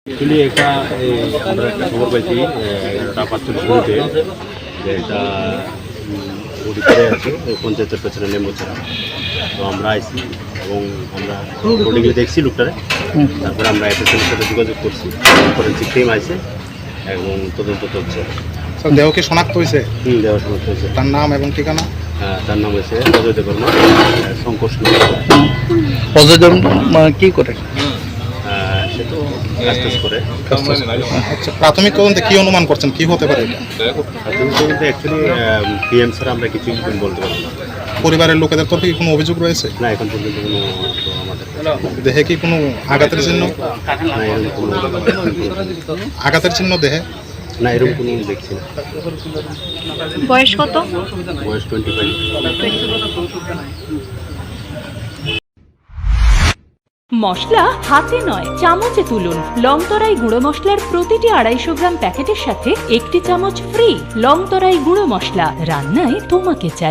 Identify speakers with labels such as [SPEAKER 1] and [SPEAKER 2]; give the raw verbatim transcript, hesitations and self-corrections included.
[SPEAKER 1] Actually একটা এই আমরা একটা খবর পাইছি এগারোটা পাঁচচল্লিশ মিনিটে যে এটা বডি পড়ে আছে ওই পঞ্চায়েতের পেছনে লেম্বুছড়া। তো আমরা আইসি এবং আমরা বডিগুলো দেখছি লোকটারে, তারপরে আমরা এফএসএলের সাথে যোগাযোগ করছি, ফরেন্সিক টিম আইসে এবং তদন্ত চলছে।
[SPEAKER 2] স্যার দেহ কি শনাক্ত হয়েছে?
[SPEAKER 1] হুম, দেওয়া শনাক্ত হয়েছে।
[SPEAKER 2] তার নাম এবং ঠিকানা?
[SPEAKER 1] হ্যাঁ, তার নাম হয়েছে অজয় দেববর্মা, সংকোষ।
[SPEAKER 3] অজয় দেববর্মা কি করে?
[SPEAKER 1] সে তো কাজ টাজ করে।
[SPEAKER 2] আচ্ছা, প্রাথমিক তদন্তে কি অনুমান করছেন, কি হতে পারে এটা?
[SPEAKER 1] প্রাথমিক তদন্তে অ্যাকচুয়ালি পিএম স্যার আমরা কিছুই বলতে পারবো না।
[SPEAKER 2] পরিবারের লোকেদের তরফে কি কোনো অভিযোগ রয়েছে?
[SPEAKER 1] না, এখন পর্যন্ত কোনো তো আমাদের
[SPEAKER 2] দেহে কি কোনো আঘাতের চিহ্ন?
[SPEAKER 1] না, এরকম কোনো
[SPEAKER 2] আঘাতের চিহ্ন দেহে?
[SPEAKER 1] না, এরকম কোনো দেখছি না।
[SPEAKER 4] বয়স কত?
[SPEAKER 1] বয়স টোয়েন্টি ফাইভ।
[SPEAKER 5] মশলা হাতে নয় চামচে তুলুন। লংতরাই গুঁড়ো মশলার প্রতিটি আড়াইশো গ্রাম প্যাকেটের সাথে একটি চামচ ফ্রি। লংতরাই গুঁড়ো মশলা, রান্নায় তোমাকে চাই।